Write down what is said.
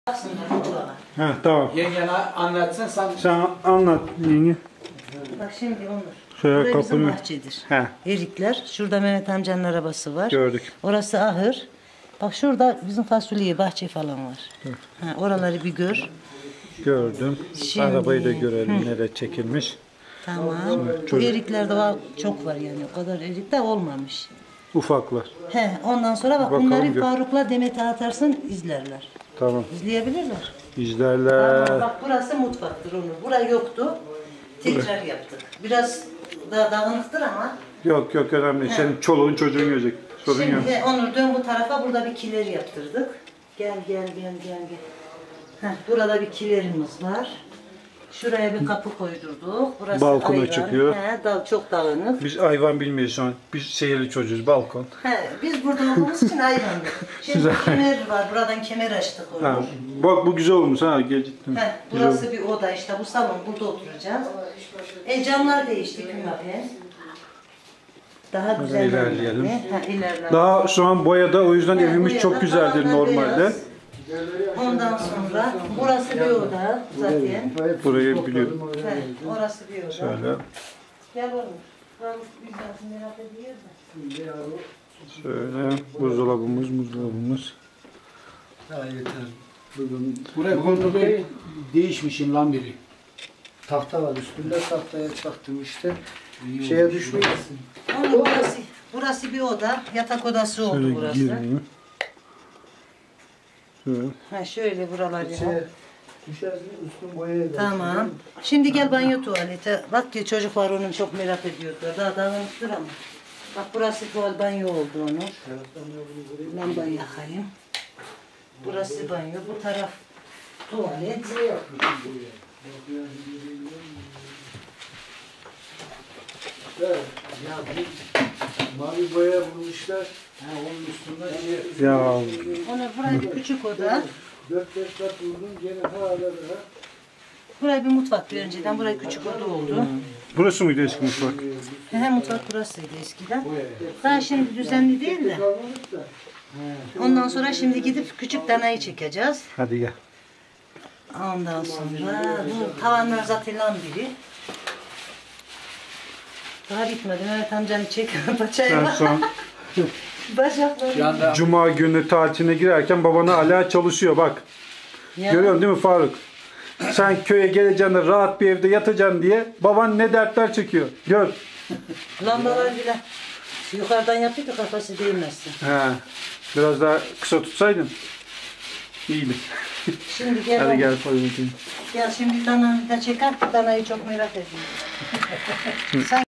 Ha tamam. Yengene anlatsın Sen anlat yenge. Bak şimdi Onur. Şöyle Burası bizim kapını. bahçedir. He. Erikler. Şurada Mehmet amcanın arabası var. Gördük. Orası ahır. Bak şurada bizim fasulye, bahçe falan var. Ha, oraları bir gör. Gördüm. Şimdi- Arabayı da görelim nereye çekilmiş. Tamam. Bu çocuk- eriklerde çok var yani. O kadar erik de olmamış. Ufaklar. He, ondan sonra bak Bakalım bunları gör. Faruk'la Demet'e atarsın izlerler. Tamam. İzleyebilirler. İzlerler. Tamam, bak burası mutfaktır Onur. Burası yoktu. Tekrar yaptık. Biraz daha dağınıktır ama. Yok önemli. Senin çoluğun çocuğun görecek. Sorun yok. Şimdi Onur dön bu tarafa, burada bir kiler yaptırdık. Gel. Heh, burada bir kilerimiz var. Şuraya bir kapı koydurduk. Burası Balkona ayvan. çıkıyor. He, çok dağınık. Biz hayvan bilmeyiz şu an. Biz şehirli çocuğuz. Balkon. He, biz burada olduğumuz için hayvandık. Şimdi kemer var. Buradan kemer açtık Onur. Ha, bak bu güzel olmuş ha. Geciktim. He, burası bir oda işte. Bu salon. Burada oturacağız. Camlar değişti Kümape. Daha güzel. ilerleyelim. İlerleyelim. Daha şu an boyada, o yüzden evimiz boyada çok güzeldir tavanlar normalde. beyaz. Ondan sonra burası bir oda zaten. Burayı biliyorum. He, orası bir oda. Şöyle. Gel oğlum. Faruk bizden merak ediyor da. Şöyle buzdolabımız. Ya yeter. Bugün buraya kondu değişmişim lan biri. Tahta var üstünde, tahtaya çaktım işte. Şeye düşmeyesin. Onun burası bir oda. Yatak odası oldu Şöyle burası. gireyim. Şöyle. Ha, şöyle buralar ya. Düşersin üstün boyaya. Tamam. Şimdi gel banyo tuvalete. Bak ki çocuklar onu çok merak ediyorlar. Daha dağınıktır ama. Bak burası tuval banyo oldu onun. Lambayı yakayım. Burası banyo. Bu taraf tuvalet. Evet, ya bu mavi boya bulmuşlar. Onun üstünden Ya Onu buraya bir küçük oda. 4-5 kat vurdum gene hala daha. Buraya bir mutfak bir önceden. Buraya küçük oda oldu. burası mıydı eski mutfak? He, mutfak burasıydı eskiden. Daha şimdi düzenli değil de. Kalmadık da. Ondan sonra şimdi gidip küçük danayı çekeceğiz. Hadi gel. Ondan sonra bu tavanlar zaten biri. Daha bitmedi. Mehmet amcanı çek. Paçayı Sen bak. son Bacakları. Cuma günü tatiline girerken babana hala çalışıyor bak. Ya. Görüyorsun değil mi Faruk? Sen köye geleceksin de rahat bir evde yatacaksın diye baban ne dertler çekiyor. Gör. Lambalar bile. Yukarıdan yapıyorduk kafası değmesin. He. Biraz daha kısa tutsaydın. İyiydi. Şimdi gel. Hadi gel Faruk. Gel şimdi danayı da çeker. Danayı çok merak ediyorum. Sen